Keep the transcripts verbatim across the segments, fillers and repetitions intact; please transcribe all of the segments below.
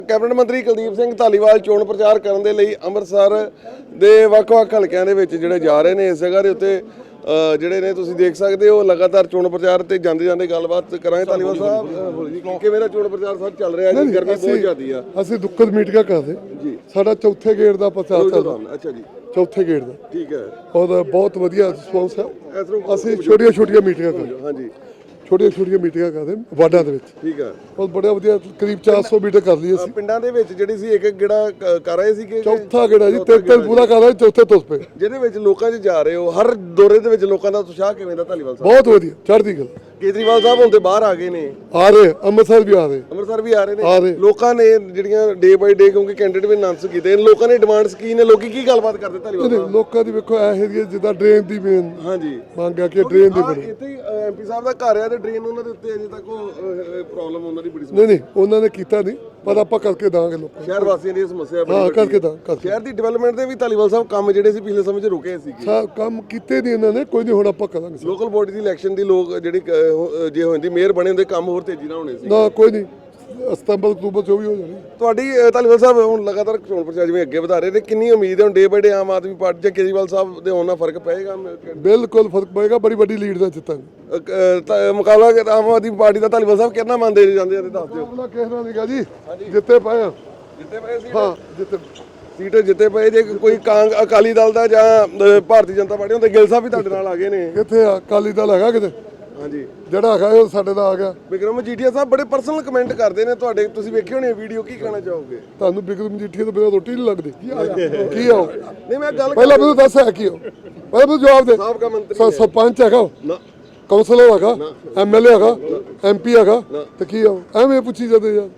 Cabinet ਮੰਤਰੀ ਕੁਲਦੀਪ ਸਿੰਘ ਧਾਲੀਵਾਲ ਚੋਣ ਪ੍ਰਚਾਰ ਕਰਨ ਦੇ ਲਈ ਅੰਮ੍ਰਿਤਸਰ ਦੇ ਵੱਖ-ਵੱਖ ਹਲਕਿਆਂ ਦੇ ਵਿੱਚ ਜਿਹੜੇ ਜਾ ਰਹੇ ਨੇ। ਇਸ ਜਗ੍ਹਾ ਦੇ ਉੱਤੇ ਜਿਹੜੇ ਨੇ ਤੁਸੀਂ ਦੇਖ ਸਕਦੇ ਹੋ ਲਗਾਤਾਰ ਚੋਣ ਪ੍ਰਚਾਰ ਤੇ ਜਾਂਦੇ ਜਾਂਦੇ ਗੱਲਬਾਤ ਕਰਾਂਗੇ। ਧਾਲੀਵਾਲ ਸਾਹਿਬ ਕਿਵੇਂ ਦਾ ਚੋਣ ਪ੍ਰਚਾਰ ਸਰ ਚੱਲ ਰਿਹਾ ਜੀ? ਗਰਮੀ ਬਹੁਤ ਜ਼ਿਆਦੀ ਆ। ਅਸੀਂ ਦੁੱਕੜ ਮੀਟਿੰਗਾਂ ਕਰਦੇ ਜੀ। ਸਾਡਾ ਚੌਥੇ ਗੇੜ ਦਾ ਪ੍ਰਚਾਰ ਚੱਲਦਾ। ਅੱਛਾ ਜੀ, ਚੌਥੇ ਗੇੜ ਦਾ ਠੀਕ ਹੈ। ਔਰ ਬਹੁਤ ਵਧੀਆ ਰਿਸਪੌਂਸ ਹੈ। ਅਸੀਂ ਛੋਟੀਆਂ ਛੋਟੀਆਂ ਮੀਟਿੰਗਾਂ ਕਰਦੇ ਹਾਂਜੀ, ਛੋਟੀਆਂ ਛੋਟੀਆਂ ਮੀਟਿੰਗਾਂ ਕਰਦੇ ਵਾਰਡਾਂ ਦੇ ਵਿੱਚ। ਠੀਕ ਹੈ, ਬਹੁਤ ਬੜਾ ਵਧੀਆ ਕਰੀਬ ਚਾਰ ਸੌ ਮੀਟਿੰਗ ਕਰ ਲਈ ਅਸੀਂ ਪਿੰਡਾਂ ਦੇ ਵਿੱਚ ਜਿਹੜੀ ਸੀ ਇੱਕ ਇੱਕ ਗੇੜਾ ਕਰ ਰਹੇ ਸੀਗੇ। ਚੌਥਾ ਗੇੜਾ ਜੀ, ਤਿੰਨ ਤਿੰਨ ਪੂਰਾ ਕਰ ਰਹੇ, ਚੌਥੇ ਤੁਸ ਪਏ ਜਿਹਦੇ ਵਿੱਚ ਲੋਕਾਂ 'ਚ ਜਾ ਰਹੇ ਹੋ। ਹਰ ਦੌਰੇ ਦੇ ਵਿੱਚ ਲੋਕਾਂ ਦਾ ਉਤਸ਼ਾਹ ਕਿਵੇਂ ਦਾ ਧਾਲੀਵਾਲ ਸਾਹਿਬ? ਬਹੁਤ ਵਧੀਆ, ਚੜ੍ਹਦੀ ਗੱਲ। ਕੇਜਰੀਵਾਲ ਸਾਹਿਬ ਹੁਣ ਤੇ ਬਾਹਰ ਆ ਗਏ ਨੇ, ਆ ਰਹੇ ਅੰਮ੍ਰਿਤਸਰ ਵੀ ਆ ਰਹੇ, ਅੰਮ੍ਰਿਤਸਰ ਵੀ ਆ ਰਹੇ ਆ ਨੇ। ਰਹੇ। ਲੋਕਾਂ ਨੇ ਜਿਹੜੀਆਂ ਡੇ ਬਾਈ ਡੇ ਕਿਉਂਕਿ ਕੈਂਡੀਡੇਟ ਵੀ ਅਨਾਉਂਸ ਕੀਤੇ, ਲੋਕਾਂ ਨੇ ਡਿਮਾਂਡਸ ਕੀ ਨੇ, ਲੋਕੀ ਕੀ ਗੱਲਬਾਤ ਕਰਦੇ ਧਾਲੀਵਾਲ ਸਾਹਿਬ? ਲੋਕਾਂ ਦੀ ਵੇਖੋ ਇਹ ਏਰੀਆ ਜਿੱਦਾਂ ਡਰੇਨ ਦੀ ਮੇਨ ਹਾਂਜੀ ਮੰਗ ਆ ਕਿ ਡਰੇਨ ਦੀ ਬਣੀ। ਇੱਥੇ ਐਮਪੀ ਸਾਹਿਬ ਦਾ ਘਰ ਆ ਤੇ ਡਰੇਨ ਉਹਨਾਂ ਦੇ ਉੱਤੇ ਅਜੇ ਤੱਕ ਉਹ ਪ੍ਰੋਬਲਮ ਉਹਨਾਂ ਦੀ ਬੜੀ ਨਹੀਂ ਨਹੀਂ ਉਹਨਾਂ ਨੇ ਕੀਤਾ ਨਹੀਂ, ਪਰ ਆਪਾਂ ਕਰਕੇ ਦਾਂਗੇ ਲੋਕਾਂ ਸ਼ਹਿਰ ਵਾਸੀਆਂ ਦੀ ਸਮੱਸਿਆ ਬੜੀ ਹਾਂ ਵੱਡੀ ਕਰਕੇ ਹੈ। ਦਾਂ ਕਰਕੇ ਸ਼ਹਿਰ ਦੀ ਡਿਵੈਲਪਮੈਂਟ ਦੇ ਵੀ ਧਾਲੀਵਾਲ ਸਾਹਿਬ ਕੰਮ ਜਿਹੜੇ ਸੀ ਪਿਛਲੇ ਸਮੇਂ 'ਚ ਰੁਕੇ ਸੀਗੇ। ਸਾ ਕੰਮ ਕੀਤੇ ਨਹੀਂ ਇਹਨਾਂ ਨੇ, ਕੋਈ ਨਹੀਂ ਹੁਣ ਆਪਾਂ ਕਰਾਂਗੇ। ਲੋਕਲ ਬੋਡੀ ਦੀ ਇਲੈਕਸ਼ਨ ਦੀ ਲੋਕ ਜਿਹੜੀ ਅਹ, ਜੇ ਹੋ ਜਾਂਦੀ ਮੇਅਰ ਬਣੇ ਹੁੰਦੇ ਕੰਮ ਹੋਰ ਤੇਜ਼ੀ ਨਾਲ ਹੋਣੇ ਸੀ। ਨਾ ਕੋਈ ਨਹੀਂ, ਸਤੰਬਰ ਅਕਤੂਬਰ ਚੋਂ ਵੀ ਹੋ ਜਾਣੀ ਤੁਹਾਡੀ ਅਹ, ਧਾਲੀਵਾਲ ਸਾਹਿਬ ਹੁਣ ਲਗਾਤਾਰ ਚੋਣ ਪ੍ਰਚਾਰ ਜਿਵੇਂ ਅੱਗੇ ਵਧਾ ਰਹੇ ਨੇ, ਕਿੰਨੀ ਉਮੀਦ ਹੈ ਹੁਣ ਡੇ ਬਾਈ ਡੇ ਆਮ ਆਦਮੀ ਪਾਰਟੀ ਜਾਂ ਕੇਜਰੀਵਾਲ ਸਾਹਿਬ ਦੇ ਹੋਣ ਨਾਲ ਫਰਕ ਪਏਗਾ? ਬਿਲਕੁਲ ਫਰਕ ਪਏਗਾ, ਬੜੀ ਵੱਡੀ ਲੀਡ ਦਾ ਜਿੱਤਾਂਗੇ। ਅਹ, ਅਹ, ਤਾਂ ਮੁਕਾਬਲਾ ਕਿ ਆਮ ਆਦਮੀ ਪਾਰਟੀ ਦਾ ਧਾਲੀਵਾਲ ਸਾਹਿਬ ਕਿੰਨਾ ਮੰਨਦੇ ਜਾਂਦੇ ਜਾਂਦੇ ਦੱਸ ਦਿਓ। ਆਪਣਾ ਕਹਿਣਾ ਨਹੀਂਗਾ ਜੀ, ਜਿੱਤੇ ਪਏ ਆ। ਜਿੱਤੇ ਪਏ ਸੀ ਹਾਂ ਜਿੱਤੇ ਸੀਟ ਜਿੱਤੇ ਪਏ। ਜੇ ਕੋਈ ਕਾਂਗ ਅਕਾਲੀ ਦਲ ਦਾ ਜਾਂ ਅਹ, ਭਾਰਤੀ ਜਨਤਾ ਪਾਰਟੀ ਹੁੰਦੇ, ਗਿੱਲ ਸਾਹਿਬ ਵੀ ਤੁਹਾਡੇ ਨਾਲ ਆ ਗਏ ਨੇ। ਕਿੱਥੇ ਆ ਅਕਾਲੀ ਦਲ ਹੈਗਾ ਕਿਤੇ? ਹਾਂਜੀ, ਜਿਹੜਾ ਹੈਗਾ ਉਹ ਸਾਡੇ ਦਾ ਆ ਗਿਆ। ਬਿਕਰਮ ਮਜੀਠੀਆ ਸਾਹਿਬ ਬੜੇ ਪਰਸਨਲ ਕਮੈਂਟ ਕਰਦੇ ਨੇ ਤੁਹਾਡੇ, ਤੁਸੀਂ ਵੇਖੇ ਹੋਣੇ ਵੀਡੀਓ, ਕੀ ਕਹਿਣਾ ਚਾਹੋਗੇ? ਤੁਹਾਨੂੰ ਬਿਕਰਮ ਮਜੀਠੀਆ ਤੋਂ ਬਿਨਾਂ ਰੋਟੀ ਨਹੀਂ ਲੱਗਦੀ ਕੀ ਆਓ? ਨਹੀਂ ਮੈਂ ਗੱਲ ਪਹਿਲਾਂ ਮੈਨੂੰ ਦੱਸ ਹੈ ਕੀ ਹੋ, ਪਹਿਲਾਂ ਮੈਨੂੰ ਜਵਾਬ ਦੇ। ਸਾਬਕਾ ਮੰਤਰੀ ਸ- ਸਰਪੰਚ ਹੈਗਾ, ਨਾ ਕਾਉਂਸਲਰ ਹੈਗਾ, ਐਮਐਲਏ ਹੈਗਾ, ਐਮਪੀ ਹੈਗਾ, ਤੇ ਕੀ ਆਓ? ਐਵੇਂ ਪੁੱਛੀ ਜਾਂਦੇ ਯਾਰ,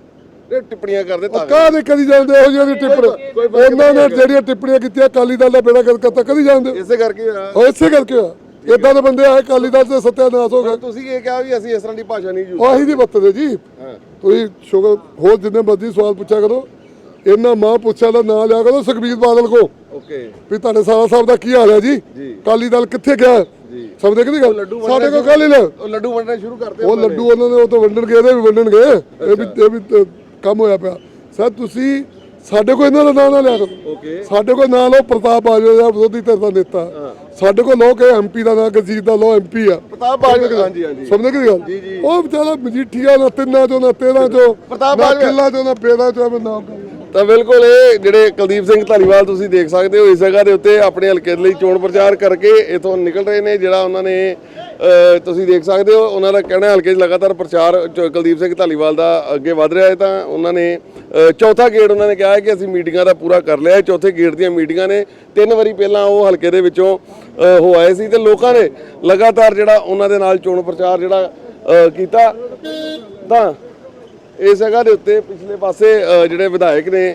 ਇਹ ਟਿੱਪਣੀਆਂ ਕਰਦੇ ਤਾਂ ਕਾਹਦੇ ਕਦੀ ਜਾਂਦੇ ਇਹੋ ਜਿਹੀ ਟਿੱਪਣੀ? ਉਹਨਾਂ ਨੇ ਜਿਹੜੀਆਂ ਟਿੱਪਣੀਆਂ ਕੀਤੀਆਂ ਅਕਾਲੀ ਦਲ ਦਾ ਬੇੜਾ ਗਰਕ ਕਰਤਾ, ਕਦੀ ਜਾਂਦੇ? ਇਸੇ ਕਰਕੇ ਹੋਇਆ। ਉਹ ਇਸੇ ਕਰਕੇ ਹੋਇਆ। ਇਦਾਂ ਦੇ ਬੰਦੇ ਆਏ ਅਕਾਲੀ ਦਲ ਤੇ ਸੱਤਿਆਨਾਸ਼ ਹੋ ਗਿਆ। ਤੁਸੀਂ ਇਹ ਕਿਹਾ ਵੀ ਅਸੀਂ ਇਸ ਤਰ੍ਹਾਂ ਦੀ ਭਾਸ਼ਾ ਨਹੀਂ ਯੂਜ਼ ਆਹੀ ਦੀ ਬੱਤਦੇ ਜੀ। ਹਾਂ। ਤੁਸੀਂ ਸ਼ੁਗਰ ਹੋਰ ਜਿੰਨੇ ਮਰਜ਼ੀ ਸਵਾਲ ਪੁੱਛਿਆ ਕਰੋ, ਇਹਨਾਂ ਮਾਂ ਪੁੱਛਿਆ ਦਾ ਨਾਂ ਲਿਆ ਕਰੋ ਸੁਖਬੀਰ ਬਾਦਲ ਕੋ, ਓਕੇ ਵੀ ਤੁਹਾਡੇ ਸਾਰਾ ਸਾਹਿਬ ਦਾ ਕੀ ਹਾਲ ਹੈ ਜੀ? ਜੀ। ਅਕਾਲੀ ਦਲ ਕਿੱਥੇ ਗਿਆ ਜੀ? ਸਭ ਦੇਖਦੀ ਗੱਲ ਲੱਡੂ ਸਾਡੇ ਕੋਲ ਕਾਲੀ ਲੈ ਉਹ ਲੱਡੂ ਵੰਡਣੇ ਸ਼ੁਰੂ ਕਰਦੇ ਉਹ ਲੱਡੂ ਉਹਨਾਂ ਨੇ ਉਹ ਤਾਂ ਵੰਡਣ ਗਏ, ਇਹਦੇ ਵੀ ਵੰਡਣ ਗਏ। ਇਹ ਵੀ ਇਹ ਵੀ ਤਾਂ ਕੰਮ ਹੋਇਆ ਪਿਆ ਸਰ। ਤੁਸੀਂ ਸਾਡੇ ਕੋਲ ਇਹਨਾਂ ਦਾ ਨਾਂ ਨਾ ਲਿਆ ਕਰੋ। ਓਕੇ, ਸਾਡੇ ਕੋਲ ਨਾਂ ਲਓ ਪ੍ਰਤਾਪ ਬਾਜਵਾ ਦਾ ਵਿਰੋਧੀ ਧਿਰ ਦਾ ਨੇਤਾ। ਸਾਡੇ ਕੋਲ ਲੋ ਕਿ ਐਮਪੀ ਦਾ ਨਾਂ ਗਰਜੀਤ ਦਾ ਲੋ, ਐਮਪੀ ਆ ਪ੍ਰਤਾਪ ਬਾਜਵਾ। ਹਾਂਜੀ ਹਾਂਜੀ, ਸਮਝਦੇ ਕੀ ਗੱਲ? ਜੀ ਜੀ। ਉਹ ਵਿਚਾਰਾ ਮਜੀਠੀਆ ਨਾ ਤਿੰਨਾਂ ਚੋਂ ਨਾ ਤੇਰਾਂ ਚੋਂ ਪ੍ਰਤਾਪ ਨਾ ਬਾਜਵਾ ਕਿੱਲਾ ਚੋਂ ਨਾ ਪੇਰਾਂ ਚੋਂ ਐਵੇਂ ਨਾਮ ਕਰ। ਤਾਂ ਬਿਲਕੁਲ ਇਹ ਜਿਹੜੇ ਕੁਲਦੀਪ ਸਿੰਘ ਧਾਲੀਵਾਲ ਤੁਸੀਂ ਦੇਖ ਸਕਦੇ ਹੋ ਇਸ ਜਗ੍ਹਾ ਦੇ ਉੱਤੇ ਆਪਣੇ ਹਲਕੇ ਲਈ ਚੋਣ ਪ੍ਰਚਾਰ ਕਰਕੇ ਇਥੋਂ ਨਿਕਲ ਰਹੇ ਨੇ। ਜਿਹੜਾ ਉਹਨਾਂ ਨੇ ਅਹ, ਤੁਸੀਂ ਦੇਖ ਸਕਦੇ ਹੋ ਉਹਨਾਂ ਦਾ ਕਹਿਣਾ ਹਲਕੇ 'ਚ ਲਗਾਤਾਰ ਪ੍ਰਚਾਰ ਚ- ਕੁਲਦੀਪ ਸਿੰਘ ਧਾਲੀਵਾਲ ਦਾ ਅੱਗੇ ਵਧ ਰਿਹਾ ਹੈ। ਤਾਂ ਉਹਨਾਂ ਨੇ ਅਹ, ਚੌਥਾ ਗੇੜ ਉਹਨਾਂ ਨੇ ਕਿਹਾ ਹੈ ਕਿ ਅਸੀਂ ਮੀਟਿੰਗਾਂ ਦਾ ਪੂਰਾ ਕਰ ਲਿਆ ਹੈ। ਚੌਥੇ ਗੇੜ ਦੀਆਂ ਮੀਟਿੰਗਾਂ ਨੇ, ਤਿੰਨ ਵਾਰੀ ਪਹਿਲਾਂ ਉਹ ਹਲਕੇ ਦੇ ਵਿੱਚੋਂ ਅਹ, ਹੋ ਆਏ ਸੀ ਤੇ ਲੋਕਾਂ ਨੇ ਲਗਾਤਾਰ ਜਿਹੜਾ ਉਹਨਾਂ ਦੇ ਨਾਲ ਚੋਣ ਪ੍ਰਚਾਰ ਜਿਹੜਾ ਅਹ, ਕੀਤਾ। ਤਾਂ ਇਸ ਜਗ੍ਹਾ ਦੇ ਉੱਤੇ ਪਿਛਲੇ ਪਾਸੇ ਅ, ਜਿਹੜੇ ਵਿਧਾਇਕ ਨੇ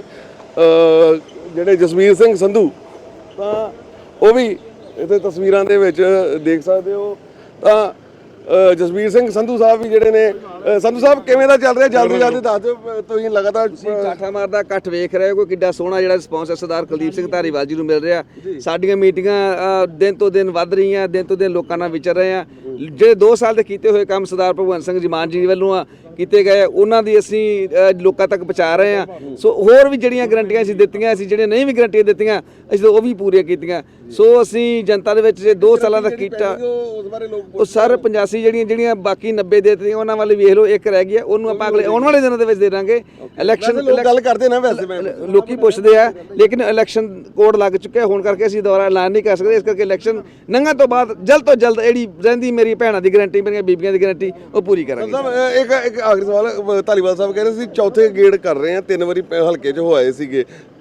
ਅ, ਜਿਹੜੇ ਜਸਵੀਰ ਸਿੰਘ ਸੰਧੂ, ਤਾਂ ਉਹ ਵੀ ਇੱਥੇ ਤਸਵੀਰਾਂ ਦੇ ਵਿੱਚ ਦੇਖ ਸਕਦੇ ਹੋ। ਤਾਂ ਅ, ਜਸਵੀਰ ਸਿੰਘ ਸੰਧੂ ਸਾਹਿਬ ਵੀ ਜਿਹੜੇ ਨੇ ਅ, ਸੰਧੂ ਸਾਹਿਬ ਕਿਵੇਂ ਦਾ ਚੱਲ ਰਿਹਾ? ਜਲਦੀ ਜਲਦੀ ਦੱਸ ਦਿਓ। ਅ, ਤੁਸੀਂ ਲਗਾਤਾਰ ਕਾਠਾ ਮਾਰਦਾ ਇਕੱਠ ਵੇਖ ਰਹੇ ਹੋ ਕੋਈ ਕਿੱਡਾ ਸੋਹਣਾ ਜਿਹੜਾ ਰਿਸਪੌਂਸ ਹੈ ਸਰਦਾਰ ਕੁਲਦੀਪ ਸਿੰਘ ਧਾਲੀਵਾਲ ਜੀ ਨੂੰ ਮਿਲ ਰਿਹਾ। ਸਾਡੀਆਂ ਮੀਟਿੰਗਾਂ ਅ, ਦਿਨ ਤੋਂ ਦਿਨ ਵੱਧ ਰਹੀਆਂ, ਦਿਨ ਤੋਂ ਦਿਨ ਲੋਕਾਂ ਨਾਲ ਵਿਚਰ ਰਹੇ ਆ। ਜਿਹੜੇ ਦੋ ਸਾਲ ਦੇ ਕੀਤੇ ਹੋਏ ਕੰਮ ਸਰਦਾਰ ਭਗਵੰਤ ਸਿੰਘ ਜੀ ਮਾਨ ਜੀ ਵੱਲੋਂ ਆ ਕੀਤੇ ਗਏ, ਉਹਨਾਂ ਦੀ ਅਸੀਂ ਅ, ਲੋਕਾਂ ਤੱਕ ਪਹੁੰਚਾ ਰਹੇ ਆ। ਸੋ ਹੋਰ ਵੀ ਜਿਹੜੀਆਂ ਗਰੰਟੀਆਂ ਅਸੀਂ ਦਿੱਤੀਆਂ ਸੀ, ਜਿਹੜੀਆਂ ਨਹੀਂ ਵੀ ਗਰੰਟੀਆਂ ਦਿੱਤੀਆਂ ਅਸੀਂ ਉਹ ਵੀ ਪੂਰੀਆਂ ਕੀਤੀਆਂ। ਸੋ ਅਸੀਂ ਜਨਤਾ ਦੇ ਵਿੱਚ ਜੇ ਦੋ ਸਾਲਾਂ ਦਾ ਕੀਤਾ ਉਸ ਬਾਰੇ ਲੋਕ ਉਹ ਸਰ ਪਚਾਸੀ ਜਿਹੜੀਆਂ ਜਿਹੜੀਆਂ ਬਾਕੀ ਨੱਬੇ ਦੇ ਦਿੱਤੀਆਂ ਉਹਨਾਂ ਵੱਲ ਵੇਖ ਲਓ, ਇੱਕ ਰਹਿ ਗਿਆ, ਉਹਨੂੰ ਆਪਾਂ ਅਗਲੇ ਆਉਣ ਵਾਲੇ ਦਿਨਾਂ ਦੇ ਵਿੱਚ ਦੇ ਦਾਂਗੇ। ਇਲੈਕਸ਼ਨ ਲੋਕ ਗੱਲ ਕਰਦੇ ਨਾ ਵੈਸੇ ਮੈਂ ਲੋਕੀ ਪੁੱਛਦੇ ਆ, ਲੇਕਿਨ ਇਲੈਕਸ਼ਨ ਕੋਡ ਲੱਗ ਚੁੱਕਿਆ ਹੁਣ ਕਰਕੇ ਅਸੀਂ ਦੁਬਾਰਾ ਐਲਾਨ ਨਹੀਂ ਕਰ ਸਕਦੇ। ਇਸ ਕਰਕੇ ਇਲੈਕਸ਼ਨ ਲੰਘਣ ਤੋਂ ਬਾਅਦ ਜਲਦ ਤੋਂ ਜਲਦ ਜਿਹੜੀ ਰਹਿੰਦੀ ਮੇਰੀ ਭੈਣਾਂ ਦੀ ਗਾਰੰਟੀ, ਮੇਰੀਆਂ ਬੀਬੀਆਂ ਦੀ ਗਾਰੰਟੀ ਉਹ ਪੂਰੀ ਕਰਾਂਗੇ। ਇੱਕ ਇੱਕ ਆਖਰੀ ਸਵਾਲ, ਧਾਲੀਵਾਲ ਸਾਹਿਬ ਕਹਿ ਰਹੇ ਸੀ ਚੌਥੇ ਗੇੜ ਕਰ ਰਹੇ ਆ, ਤਿੰਨ ਵਾਰੀ ਪ- ਹਲਕੇ 'ਚ ਹੋਏ ਸੀਗੇ,